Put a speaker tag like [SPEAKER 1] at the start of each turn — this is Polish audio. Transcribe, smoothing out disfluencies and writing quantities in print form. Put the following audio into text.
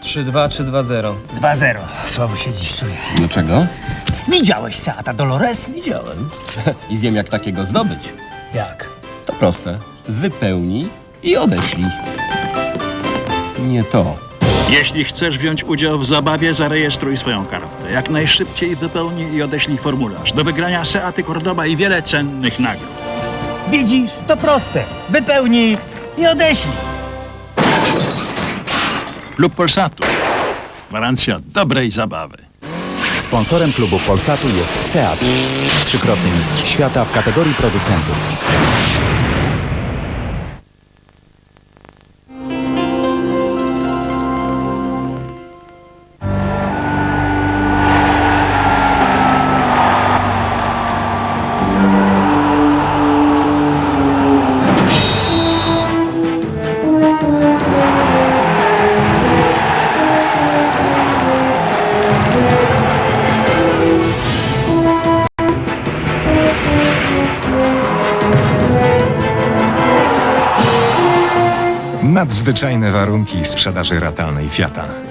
[SPEAKER 1] 3-2 czy 2-0?
[SPEAKER 2] 2-0. Słabo się dziś czuję.
[SPEAKER 3] Dlaczego?
[SPEAKER 2] Widziałeś Seata Dolores?
[SPEAKER 3] Widziałem. I wiem, jak takiego zdobyć.
[SPEAKER 2] Jak?
[SPEAKER 3] To proste. Wypełnij i odeślij. Nie to.
[SPEAKER 4] Jeśli chcesz wziąć udział w zabawie, zarejestruj swoją kartę. Jak najszybciej wypełnij i odeślij formularz. Do wygrania Seaty Cordoba i wiele cennych nagród.
[SPEAKER 2] Widzisz? To proste. Wypełnij i odeślij.
[SPEAKER 4] Klub Polsatu. Gwarancja dobrej zabawy.
[SPEAKER 5] Sponsorem klubu Polsatu jest Seat, trzykrotny mistrz świata w kategorii producentów.
[SPEAKER 6] Nadzwyczajne warunki sprzedaży ratalnej Fiata.